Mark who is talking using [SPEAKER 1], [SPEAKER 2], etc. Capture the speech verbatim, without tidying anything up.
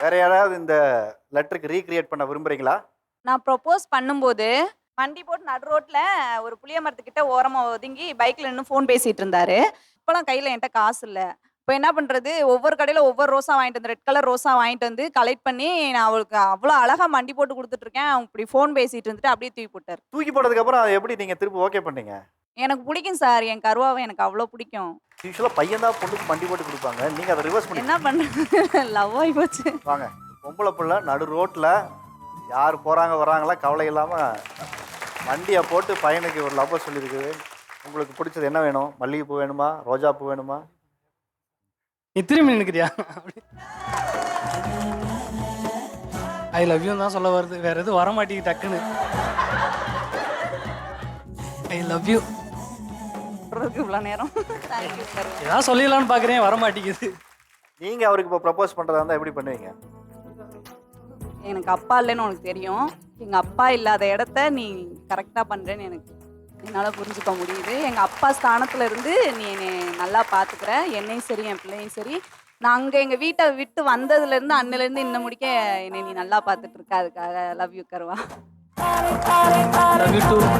[SPEAKER 1] வேற யாராவது இந்த லெட்டருக்கு ரீக்ரியேட் பண்ண விரும்புறீங்களா?
[SPEAKER 2] நான் ப்ரொபோஸ் பண்ணும்போது, வண்டி போட்டு நடு ரோட்ல ஒரு புளிய மரத்துக்கிட்ட ஓரமா ஒதுங்கி பைக்ல நின்னு ஃபோன் பேசிட்டு இருந்தாரு. அப்பலாம் கையில என்ட்ட காசு இல்ல. இப்ப என்ன பண்றது, ஒவ்வொரு கடையில ஒவ்வொரு ரோஸா வாங்கிட்டு வந்து ரெட் கலர் ரோஸா வாங்கிட்டு வந்து கலெக்ட் பண்ணி நான் அவளுக்கு அவ்ளோ அழகா மண்டி போட்டு குடுத்துட்டு இருக்கேன். அவங்க இப்படி ஃபோன் பேசிட்டு இருந்துட்டு அப்படியே தூக்கி போட்டாரு.
[SPEAKER 1] தூக்கி போட்டதுக்கு அப்புறம் அத எப்படி நீங்க திருப்பி ஓகே பண்ணீங்க?
[SPEAKER 2] எனக்கு புடிக்கும் சார். என் கருவாவ எனக்கு அவ்ளோ புடிக்கும்.
[SPEAKER 1] யூசுவலா பையன் தான் பொண்ணுக்கு மண்டி போட்டு குடுப்பாங்க. நீங்க அத ரிவர்ஸ் பண்ணி
[SPEAKER 2] என்ன பண்றது லவ் ஆயி போச்சு.
[SPEAKER 1] வாங்க. பொம்பள புள்ள நடு ரோட்ல யார் போறாங்க வராங்களா கவலை இல்லாம வண்டிய போட்டு பையனுக்கு ஒரு லவ்வ சொல்லியிருக்குது. உங்களுக்கு பிடிச்சது என்ன வேணும்? மல்லிகைப்பூ வேணுமா? ரோஜா பூ வேணுமா?
[SPEAKER 3] நீ திரும்பி நினைக்கிறியா? ஐ லவ் யூ தான் சொல்ல வருது. வேற எதுவும் வர மாட்டேங்குது டக்குன்னு. I love you.
[SPEAKER 2] சொல்றதுக்கு இவ்ளோ நேரம். Thank you sir.
[SPEAKER 3] ஏதாவது சொல்லிடலாம்னு பார்க்குறேன், வர மாட்டேங்குது.
[SPEAKER 1] நீங்க அவருக்கு இப்போ ப்ரப்போஸ் பண்றதா இருந்தா எப்படி பண்ணுவீங்க?
[SPEAKER 2] எனக்கு அப்பா இல்லைன்னு உனக்கு தெரியும். எங்க அப்பா இல்லாத இடத்த நீ கரெக்ட்டா பண்றேன்னு எனக்கு என்னால புரிஞ்சுக்க முடியுது. எங்க அப்பா ஸ்தானத்துல இருந்து நீ என்னைய நல்லா பார்த்துக்கிற. என்னையும் சரி, என் பிள்ளையும் சரி. நான் அங்க எங்க வீட்ட விட்டு வந்ததுலேருந்து அன்னையிலேருந்து இன்ன முடிக்க என்னை நீ நல்லா பார்த்துட்டு இருக்க. அதுக்காக லவ் யூ கருவா.
[SPEAKER 3] Love you two.